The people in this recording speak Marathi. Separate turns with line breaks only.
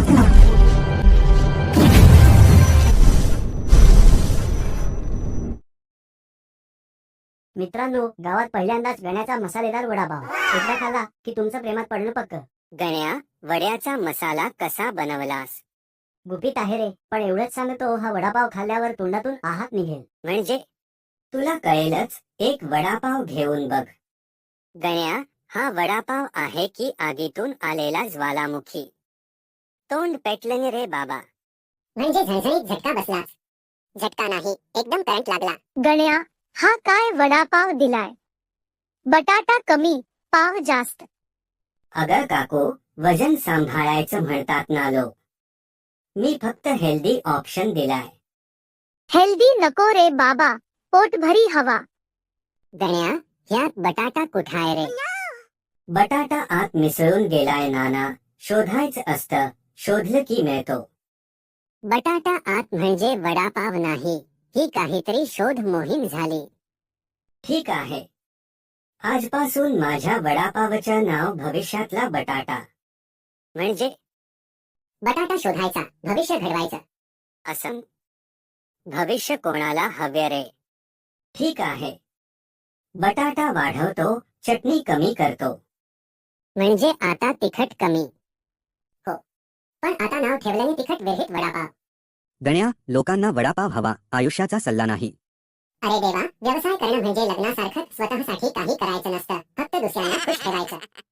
मित्रांनो, गावात पहिल्यांदाच गण्याचा मसालेदार वडापाव एकदा खाल्ला की तुमचं प्रेमात पडणं पक्क.
गण्या, वड्याचा मसाला कसा बनवलास?
गुपित आहे रे, पण एवढंच सांगतो, हा वडापाव खाल्ल्यावर तोंडातून आहात निघेल.
म्हणजे तुला कळेलच. एक वडापाव घेऊन बघ. गण्या, हा वडापाव आहे की आगीतून आलेला ज्वालामुखी? तोंड पेटलं रे बाबा.
म्हणजे झणझणीत झटका बसला. झटका नाही, एकदम करंट लागला.
गण्या, हा काय वडापाव दिलाय? बटाटा कमी, पाव जास्त.
अगं काकू, वजन सांभाळायचं म्हणतात ना लोक. मी फक्त हेल्दी ऑप्शन दिलाय.
हेल्दी नको रे बाबा, पोटभरी हवा.
गण्या, ह्यात बटाटा कुठाय रे?
बटाटा आत मिसळून गेलाय नाना. शोधायचं असतं, शोधलं की मिळतो.
बटाटा आत म्हणजे वडापाव नाही, ही काहीतरी शोध मोहीम झाली.
ठीक आहे, आजपासून माझ्या वडापावचं नाव भविष्यातला बटाटा. म्हणजे
बटाटा शोधायचा, भविष्य घडवायचं.
असं? भविष्य कोणाला हवे रे? ठीक आहे, बटाटा वाढवतो, चटणी कमी करतो.
म्हणजे आता तिखट कमी. हो, पण आता नाव ठेवल्याने तिखट विरहित वडापाव.
गण्या, लोकांना वडापाव हवा, आयुष्याचा सल्ला नाही.
अरे देवा, व्यवसाय करणं म्हणजे लग्नासारखं स्वतःसाठी काही करायचं नसतं, फक्त दुसऱ्यांना खुश ठेवायचं.